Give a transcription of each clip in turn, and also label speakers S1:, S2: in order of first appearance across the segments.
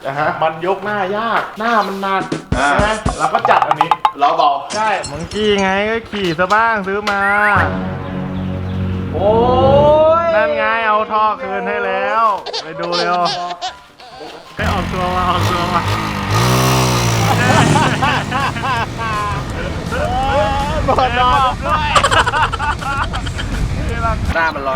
S1: มันยกหน้ายากหน้ามันหนักใช่ไหมเราก็จัดอันนี้
S2: ล้อเบา
S1: ใช่มังกี้ไงก็ขี่ซะบ้างซื้อมา
S2: โอ้ย
S1: นั่นไงเอาท่อคืนให้แล้วไปดูเร็วไปออกตัวมาบอดดอกด้วย
S2: หน้ามันลอย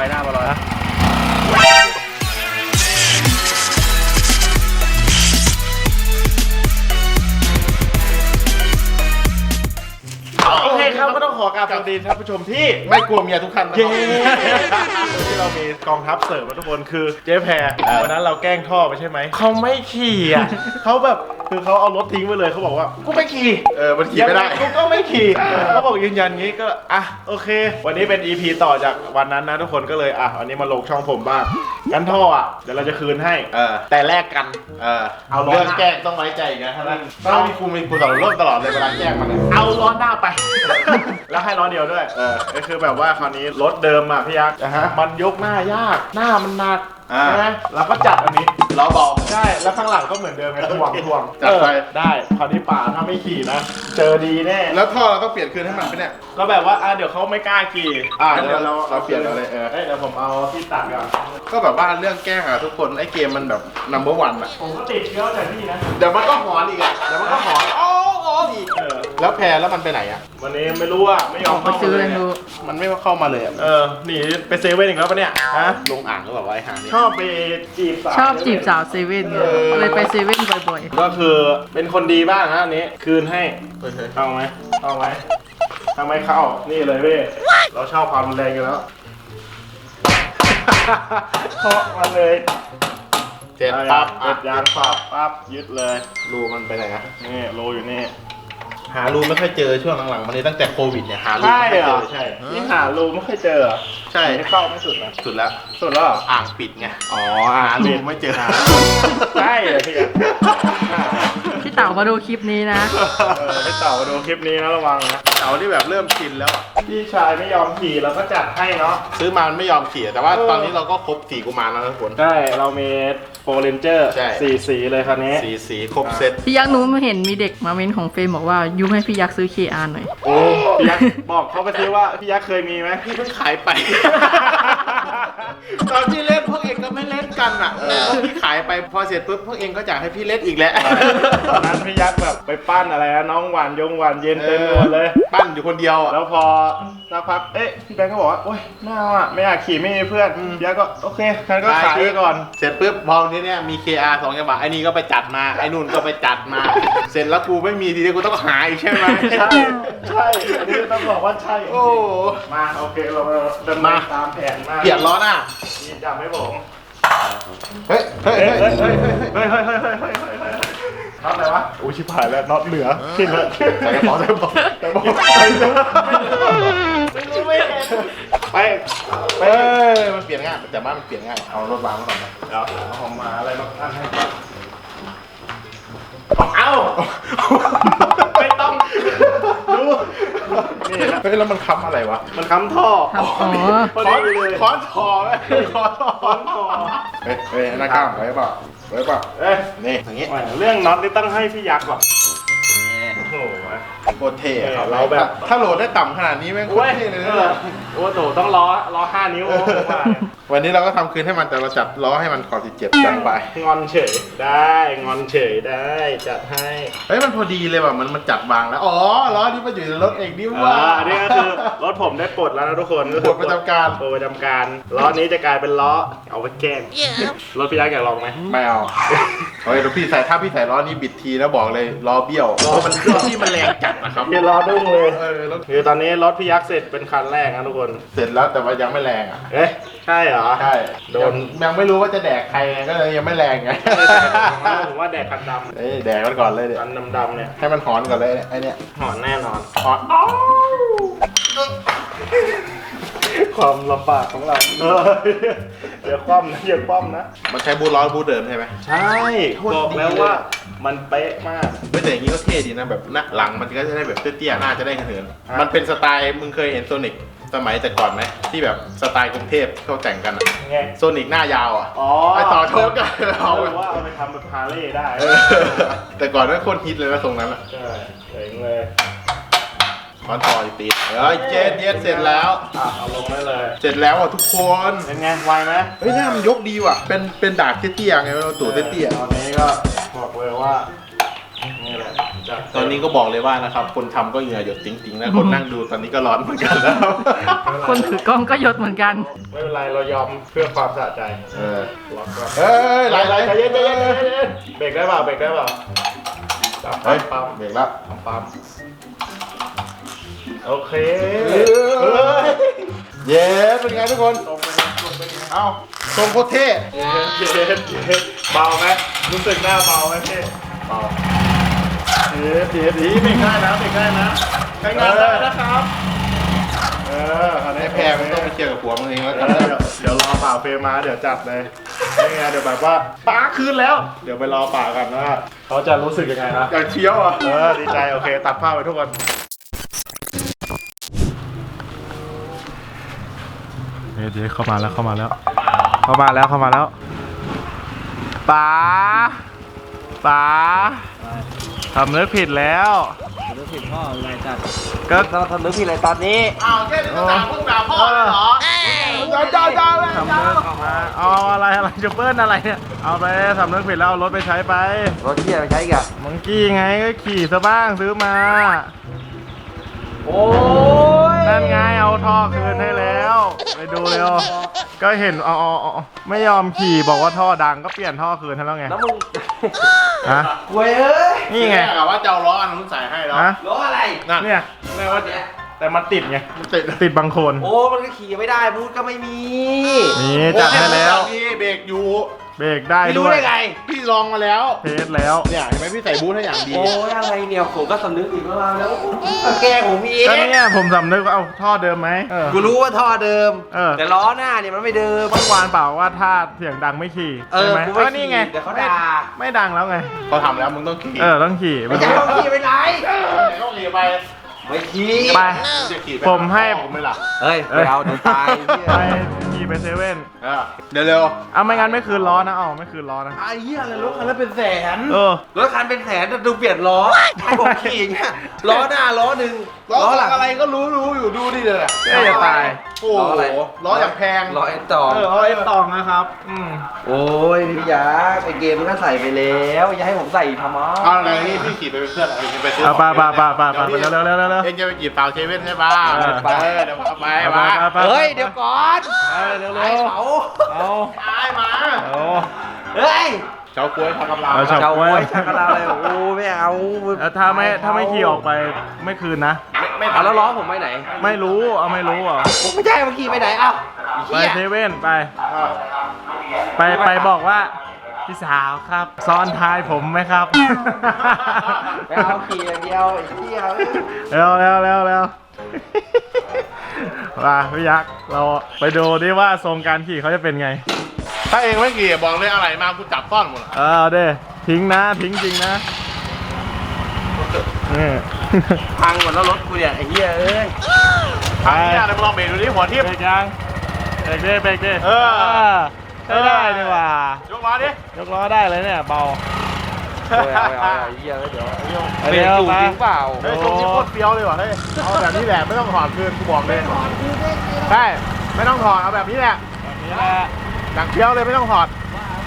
S1: โอเคครับก็ต้องขอกราบสวัสดีท่านผู้ชมที่
S2: ไม่กลัวเมียทุกท่านนะ
S1: ที่เรามีกองทัพเสริมมาทุกคนคือเจ๊แพรวันนั้นเราแกล้งท่อไปใช่ไหมเขาไม่ขี่อ่ะเขาแบบคือเขาเอารถทิ้งไปเลยเขาบอกว่ากูไม่ขี่
S2: มันขี่ไม่ได้
S1: กูก็ไม่ขี่เขาบอกยืนยันงี้ก็โอเควันนี้เป็น EP ต่อจากวันนั้นนะทุกคนก็เลยวันนี้มาลงช่องผมบ้างกันท่อเดี๋ยวเราจะคืนให้แต่แลกกัน
S2: เอาเรื่องแกล้งต้องไว้ใจนะท่านต้องมีกูต่อรถตลอดเลยเวลาแกล้งมัน
S1: เอาล้อหน้าไปแล้วให้ล้อเดียวด้วยก็คือแบบว่าคราวนี้รถเดิมพี่ยักษ์มันยกหน้ายากหน้ามันหนักใช่ไหมเราก็จัดอันนี้
S2: ล้อเบา
S1: ใช่แล้วข้างหลังก็เหมือนเดิมไงถ่วง
S2: จัดไป
S1: ได้คราวนี้ป่าถ้าไม่ขี่นะเจอดีแน่
S2: แล้วท่อเราต้องเปลี่ยนคืนให้มันไปเนี่ย
S1: ก็แบบว่าเดี๋ยวเขาไม่กล้าขี่
S2: เดี๋ยวเราเปลี่ยนอะไร
S1: เดี๋ยวผมเอาที่ตัดก่อน
S2: ก็แบบว่าเรื่องแกล้งทุกคนไอ้เกมมันแบบnumber one
S1: ผมก็ติดเยอะแต่พี่นะ
S2: เดี๋ยวมันก็หอนอีกเดี๋ยวมันก็หอนอีกแล้วแพรแล้วมันไปไหน
S1: วันนี้ไม่รู้ไม่ยอม
S3: เข้าซื้อเลยดู
S2: มันไม่เข้ามาเลย
S1: หนีไปเซเว่นอีกแล้วปะเนี่ย
S2: ลงอ่างก็แบบว่าไอ้ห่านี่
S1: ชอบไปจีบ
S3: สาวเซเว่นเลยไปเซเว่นบ่อย
S1: ๆก็คือเป็นคนดีบ้างนะอันนี้คืนให้เข้าไหมเข้านี่เลยเว้ยเราชอบความรุนแรงกันแล้วเคาะมาเลย
S2: เจ็ดปั๊บ
S1: ยางปั๊บยึดเลย
S2: รูมันไปไหน
S1: นี่รูอยู่นี่
S2: หารูไม่ค่อยเจอช่วงหลังๆมานี้ตั้งแต่โควิดเนี่ยหารู
S1: ไม่ค่อยเจอใช่นี่หารูไม่ค่อยเจอ
S2: ใช่
S1: ไม่เข้าไม่สุดนะ
S2: สุดแล้วอ่างปิดไงหารูไม่เจอ
S1: ใช่
S3: พี่เต๋ามาดูคลิปนี้นะ
S1: พี่เต๋ามาดูคลิปนี้นะระวังนะ
S2: เต๋าที่แบบเริ่มชินแล้ว
S1: พี่ชายไม่ยอมขี่เราก็จัดให้เนาะ
S2: ซื้อมาไม่ยอมขี่แต่ว่าตอนนี้เราก็ครบ4กุมารแล้วทุกคน
S1: ใช่เรามีโฟร์เรนเจอร์4 สีเลยคราวนี้
S2: 4 สีครบเซต
S3: พี่ยักษ์นู้นเห็นมีเด็กมาเม้นของเฟรมบอกว่ายุให้พี่ยักษ์ซื้อ KR หน่อย
S1: โอ้พี่ยักษ์บอกเขาไปซิว่าพี่ยักษ์เคยมีไหม
S2: พี่เพิ่งขายไปตอนพี่เล่นพวกเองก็ไม่เล่นกันพี่ขายไปพอเสร็จปุ๊บพวกเองก็อยากให้พี่เล่นอีกแล้ว
S1: ตอนนั้นพี่ยักษ์แบบไปปั้นอะไรนะน้องหวานเย็นเต็มหมดเลย
S2: ปั้นอยู่คนเดียว
S1: แล้วพอสักพักพี่แบงค์ก็บอกว่าโอ๊ยไม่เอาไม่อยากขี่ไม่มีเพื่อนพี่ยักษ์ก็โอเคงั้นก็ขายไปก่อน
S2: เสร็จปุ๊บพอทีเนี้ยมี KR 2 จังหวะไอ้นี่ก็ไปจัดมาไอ้นู่นก็ไปจัดมาเสร็จแล้วกูไม่มีทีนี้กูต้องหาอีกใช่ไหม
S1: ใช่อันนี้ต้องบอกว่าใช่
S2: โอ้
S1: มาโอเคเราเดินมาตามแผนมา
S2: เปลี่ยนล้อหน้า
S1: นี่จับให้ผม
S2: เฮ้ย
S1: ทำอะไรวะอุ้ยชิบหายแล้วน็อตเหลือขึ้นเลย
S2: ใส่กระเป๋าไม่รู้
S1: ไม่เห็นไป
S2: มันเปลี่ยนง่ายแต่บ้านมันเปลี่ยนง่ายเอารถวางมาก่อนนะ
S1: เดี๋ยวเอามาอะไรมาตั้งให้เอาไม่ต้องดูนี่นะ
S2: แล้วมันค้ำอะไรวะ
S1: มันค้ำท่อค้อนท่อ
S2: เฮ้ยหน้าก้ามไว้ป่ะนี่อย่างงี้
S1: เรื่องน็อตนี่ต้องให้พี่ยักษ์ก่อน
S2: โอ้โหโคตรเท่เราแบบถ้าโหลดได้ต่ำขนาดนี้แม่งโคตรเท่เลยนะ
S1: โอ้โหต้องล้อ5 นิ้ว
S2: วันนี้เราก็ทำคืนให้มันแต่เราจัดล้อให้มันขอ17จัดไป
S1: งอนเฉยได้จัดให้
S2: เฮ้ยมันพอดีเลยว่ะมันจัดวางแล้วล้อนี่มันอยู่ในรถเองนี่ว่า
S1: อันนี้ก็คือรถผมได้ปลดแล้วนะทุกคน
S2: ปลดประจำการ
S1: ล้อนี้จะกลายเป็นล้อเอาไว้แกล้งรถพี่ยักษ์อยากลองไหม
S2: ไม่เอาเฮ้ยถ้าพี่ใส่ล้อนี้บิดทีนะบอกเลยล้อเบี้ยวมันเครื่องที่มันแรงจัดนะครับ
S1: เดี๋ยวล้อดุ้งเลยคือตอนนี้รถพี่ยักษ์เสร็จเป็นคันแรกนะทุกคน
S2: เสร็จแล้วแต่ว่ายังไม่แรง
S1: ใช่เหรอ
S2: ใช่โดนยังไม่รู้ว่าจะแดกใครก็เลยยังไม่แรงไง
S1: ผมว่าแดกคันดำ
S2: แดกมันก่อนเลยเดี๋ยว
S1: คันดำเนี่ย
S2: ให้มันหอนก่อนเลยไอเนี้ย
S1: หอนแน่นอน
S2: หอน
S1: ความลำบากของเราอย่าคว่ำนะ
S2: มันใช้บูทล้อบูทเดิมใช่ไหม
S1: ใช่บอกแล้วว่ามันเป๊ะมาก
S2: แต่อย่างนี้ก็เท่ดีนะแบบหน้าหลังมันก็จะได้แบบเตี้ยๆหน้าจะได้เหินมันเป็นสไตล์มึงเคยเห็นโซนิกสมัยแต่ก่อนไหมที่แบบสไตล์กรุงเทพเขาแต่งกันอะ
S1: ไง
S2: โซนิกหน้ายาวอ่ะ
S1: อ๋อ
S2: ไอต่อโชคกัน
S1: เอา
S2: เอา
S1: ว่าเอาไปทำแบบฮาร์เลย์ได้
S2: แต่ก่อนนั้นโคตรฮิตเลยนะทรงนั้นอ่ะ
S1: ใช่เจ๋งเลย
S2: คอนทอยตีเจ็ดเย็ดเสร็จแล้ว
S1: เอาลงได้เลย
S2: เสร็จแล้วอ่ะทุกคน
S1: เป็นไงไวไหม
S2: เฮ้ยหน้ามันยกดีว่ะเป็นดาบเตี้ยๆไงเราตู่เตี้ย
S1: ตอนนี้ก็บอกเลยว่านี่แหละจัด
S2: ๆตอนนี้ก็บอกเลยว่านะครับคนทำก็เหงื่อหยดติ๊งๆนะคนนั่งดูตอนนี้ก็ร้อนเหมือนกันแล้ว
S3: คนถือกล้องก็ยศเหมือนกัน
S1: ไม่เป็นไรเรายอมเพื่อความสะใจ
S2: เออ
S1: ล็อกก่อน
S2: เฮ้ยไหล
S1: ใจเย็นใจเย็นใจเย็นเบรกได้เปล่าเบรกได้เปล่าปั๊ม
S2: เฮ้ย
S1: ปั๊ม
S2: เบรกแล้ว
S1: ปั๊มโอเค
S2: เย้เป็นไงทุกคน
S1: ตรงไปตรงไป
S2: เอ้าทรงโคตรเท่
S1: เย็นเบาไหมรู้สึกหน้าเบาไหมพี่
S2: เบา
S1: เย็นดีเบรกได้นะเบรกได้นะใช้งานได้นะครับอันนี้
S2: ไอ้แพรมันต้องไปเคลียร์กับผัวมึงเองแล้วกัน
S1: เดี๋ยวรอป่าเฟรมมาเดี๋ยวจัดเลยไม่งั้นเดี๋ยวแบบว่าป้าคืนแล้ว เดี๋ยวไปรอป่ากันว่าเขาจะรู้สึกยังไงนะ
S2: อยากเที่ยวอ่ะ
S1: ดีใจโอเคตัดภาพไปทุกคนเดี๋ยวเข้ามาแล้วป๋าทำเลิกผิดแล้ว
S4: นึกผิดพ่ออะไรจัด
S1: ก็
S4: เราทำนึกผิดอะไรตอนนี้
S2: อ้าวแค่นี้ก็ด่าพวกด่าพ่อเลยเหรอเจ้าเลย
S1: ทำเลิกออกมาเอาอะไรจะเปิ้ลอะไรเนี่ยเอาไปทำเลิกผิดแล้วเอารถไปใช้ไป
S4: รถที่จะไปใช้อีกับ
S1: มังกี้ไงก็ขี่ซะบ้างซื้อมา
S4: โอ้ย
S1: นั่นไงเอาท่อคืนให้แล้ว ไปดูเร็ว ก็เห็นไม่ยอมขี่บอกว่าท่อดังก็เปลี่ยนท่อคืนให้แล้วไง
S4: แล้วมึง
S1: ฮะ
S4: เว้ยเอ้ย
S1: นี่ไง
S2: กะว่าจะเอาล้ออันนู้นใส่ให้แล้ว
S1: ฮะ
S4: รถอะไร
S2: นั่น
S1: เนี่ยแม่ว่าแต่มันติดไง
S2: มันติด
S1: ติดบางคน
S4: โอ้มันก็ขี่ไม่ได้บูธก็ไม่มี
S1: นี่จัดให้แล้ว
S2: พี่เบรกอยู่
S1: เบรกได้
S4: พี่
S1: ด้
S4: รู้
S1: วย
S4: ได้ไง
S2: พี่ลองมาแล้ว
S1: เทสแล้ว
S2: เนี่ยเห็นไหมพี่ใส่บูทให้อย่างดี
S4: โอ้ยอะไรเนี่ยผมก็สำนึกผิดมากแล้วแกล้งผมอีก
S1: ก็เนี่ยผมสำนึกว่าเอาท่อเดิมไหม
S4: กูรู้ว่าท่อเดิม
S1: เออ
S4: แต่ล้อหน้าเนี่ยมันไม่เดิม
S1: เมื่อวานเปล่าว่าถ้าเสียงดังไม่ขี่
S4: เออ
S1: ใช่ไหม
S4: กูไม่
S1: ก็นี่ไง
S4: ขี่เดี๋ยวเขาด่า
S1: ไม่ดังแล้วไง
S2: เขาทำแล้วมึงต้องขี่
S1: ต้องขี่
S4: ไม่ใช่เขาขี่ไปไหน
S2: ต้องขี่ไป
S4: ไม่ขี่
S1: ไป
S2: จะขี่ไป
S1: ผมให้
S2: ผมไม่ล่ะ
S4: เฮ้ยไปเอาเดี๋ยวตาย
S1: ไปขี่ไปเซเว่น
S2: เดี๋ยวเร็ว
S1: เอาไม่งั้นไม่คืนล้อนะไม่คืนล้อนะ
S4: ไอ้เหี้ยอะไรรถคันละเป็นแสน รถคันเป็นแสนแต่ดูเปลี่ยนล้อให้ผมขี่อย่างเงี้ยล้อหน้าล้อหนึ่ง
S2: ล้อ
S4: หลัง
S2: อะไรก็รู้อยู่ดูดิเลย
S1: เอ้ยอย่าตาย
S2: โอ้โหล้ออย่างแพง
S4: ล้อไอ้ต่อ
S1: เอาไอ้ตองนะครับ
S4: โอ้ยพี่ยักษ์ไอเกมมันก็ใส่ไปแล้วอย่าให้ผมใส่อีกทำไม
S2: เอาอะไรนี่พี่ขี่ไปเป็นเพื่อนเองไปซื้อ
S1: เอาไป
S2: ของ
S1: เร็วเร็ว
S2: เองจะไปจีบสาวเชเว่นใช่ป่ะ
S1: เออ
S2: ไปเดี๋ยวพาไปมา
S4: เฮ้ยเดี๋ยวก่อน
S1: เร็ว
S4: ไอ้เขา
S1: เอา
S2: ตายมา
S4: เฮ้ย
S2: เจ้ากล้วยทำกำลัง
S1: เอา
S4: เจ้าไว้ชักกระลาเลยโอ้ไม่เอา
S1: ถ้าไม่ขี่ออกไปไม่คืนนะ
S4: เอาแล้วล้อผมไปไหน
S1: ไม่รู้ไม่รู้อ่ะ
S4: ผมไม่ใช่เมื่อกี้ไปไหนเอ้า
S1: ไปเซเว่นไปบอกว่าพี่สาวครับซ้อนท้ายผมไหมครับ
S4: ไปเอาขี่อย่างเดียวไอ้เหี้ย
S1: เร็วมาพี่ยักษ์เราไปดูดิว่าทรงการขี่เขาจะเป็นไง
S2: ถ้าเองไม่ขี่บอกเลยอะไรมากูจับซ่อนหมด
S1: เอาด้ทิ้งจริงนะนี่
S4: พังหมดแล้วรถกูเนี่ยไอ้เหี้ยเอ้ย
S2: ทางนี้อะไรมึงลองเบรกดูดิหัวทิ่ม
S1: เบรกยังเบรกดิ
S2: เออ
S1: ได้ดีว่ะ
S2: ยกล้อดิ
S1: ยกล้อได้เลยเนี่ยเบา
S4: เอาไอ้เหี้ยเดี๋ยว
S1: เดี๋ยว
S4: เบรกอยู่จริงเปล่า
S2: เฮ้ยตรงนี้โคตรเฟี้ยวเลยว่ะเฮ้ยเอาแบบนี้แหละไม่ต้องถอดคืนกูบอกเลยใช่ไม่ต้องถอดเอาแบบนี้แหละ
S1: แบบนี้แหละ
S2: หนังเฟี้ยวเลยไม่ต้องถอด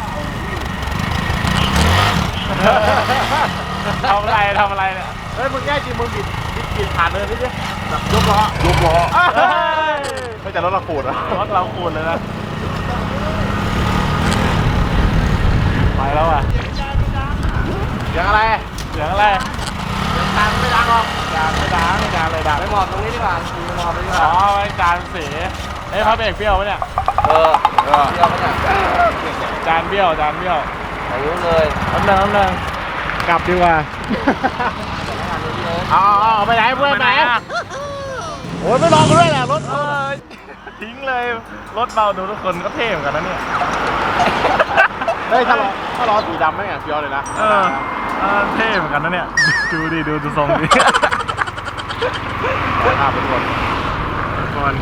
S1: ทำอะไรเนี่ย
S2: เฮ้ยมึงแง่จริงมึงบิดผ่านเลยนิดเดียวแบบยกล้อไม่แต่รถเราขูดอะ
S1: รถเราคูณเลยนะไปแล้วอ่ะ
S2: อย่างอะไร
S1: เสียงอะไร
S2: ตังไม่ดังหรอก
S1: จานไม่ดังเลยดัง
S4: ไปหมอบตรงนี้ดีกว่าไปหมอบไปดีก
S1: อ๋
S4: ว่า
S1: อไว้จานสีเอ้ยพระเบรกเบี้ยวปะเนี่ย
S4: เออเดี๋ยวไปเนี่ย
S1: จานเบี้ยว
S4: อายุเลย
S1: น้ำหนึ่งกลับดีกว่า
S2: เอาไปไหนเพื่อนไหน
S1: โอ้ยไม่ลองกันด้วยแหละรถทิ้งเลยรถเบาดูทุกคนก็เท่เหมือนกันนะเนี่ย
S2: เฮ้ยถ้าล้อสีดำไม่แอบเฟี้ยวเลยนะ
S1: เท่เหมือนกันนะเนี่ยดูทรงดิ
S2: ภาพเป็นคน
S1: คน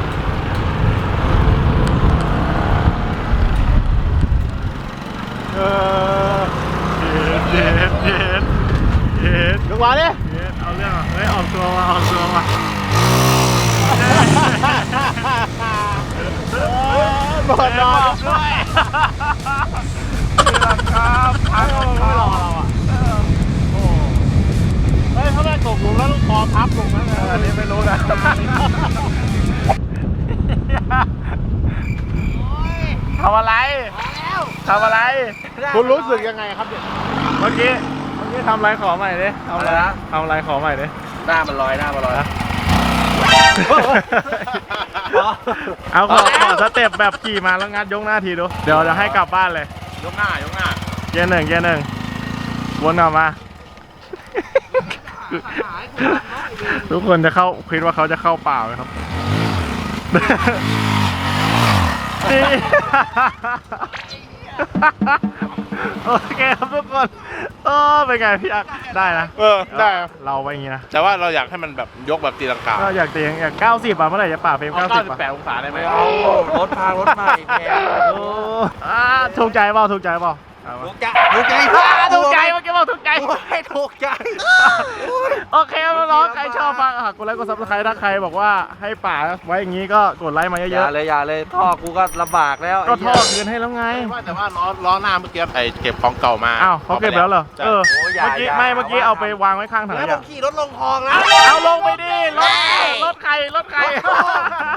S1: เย็ดลงมาดิเอาเรื่องอ่ะเฮ้ยออกตัวมาบอดดอกด้วยครับพังไม่รอเราอ่ะเฮ้ยถ้าแม่ตกหลุมแล้วลูกคอพับลงนะอันนี้ไม่รู้นะทำอะไรคุณรู้สึกยังไงครับเนี่ยเมื่อกี้ทำอะไรขอใหม่ดิทำอะไรขอใหม่ดิ
S4: หน้ามันลอยนะ
S1: เอาขอสเต็ปแบบขี่มาแล้วงัดยกหน้าทีดูเดี๋ยวจะให้กลับบ้านเลย
S2: ยกหน้า
S1: เกียร์หนึ่งวนกลับมา ทุกคนจะเข้าคิดว่าเขาจะเข้าเปล่าไหมครับนี่โอเคครับทุกคนเป็นไงพี่อักได้นะ
S2: ได้
S1: เราไปอย่างงี้นะ
S2: แต่ว่าเราอยากให้มันแบบยกแบบตีลังกา
S1: ก็อยากตีอยาก90อ่ะเมื่อไหร่จะป่าเฟรม90
S2: 98องศาได้ไหม
S4: รถพังรถใหม่แพง
S1: ถูกใจเปล่าถูกใจ
S4: ถูกใจ
S1: เมื่อกี้บอกถูกใจ
S4: ไม่ถูกใจ
S1: โอเคน้องๆใครชอบฟังกดไลค์กดซับสไครต์ถ้าใครบอกว่าให้ป่าไว้อย่างนี้ก็กดไลค์มาเย
S4: อย่า
S1: อะ
S4: เลยท่อกูก็ลำบากแล้ว
S1: ๆก็ท่อคืนให้แล้วไง
S2: แต่ว่าล้อหน้าเมื่อกี้ไอเก็บของเก่ามา
S1: อ้าวเขาเก็บแล้วเหรอเมื่อกี้เอาไปวางไว้ข้างถัง
S4: แล้ว
S1: อ
S4: ผ
S1: ย่าง
S4: มขี่รถลงคลองแล้ว
S1: เอาลงไปดิรถใคร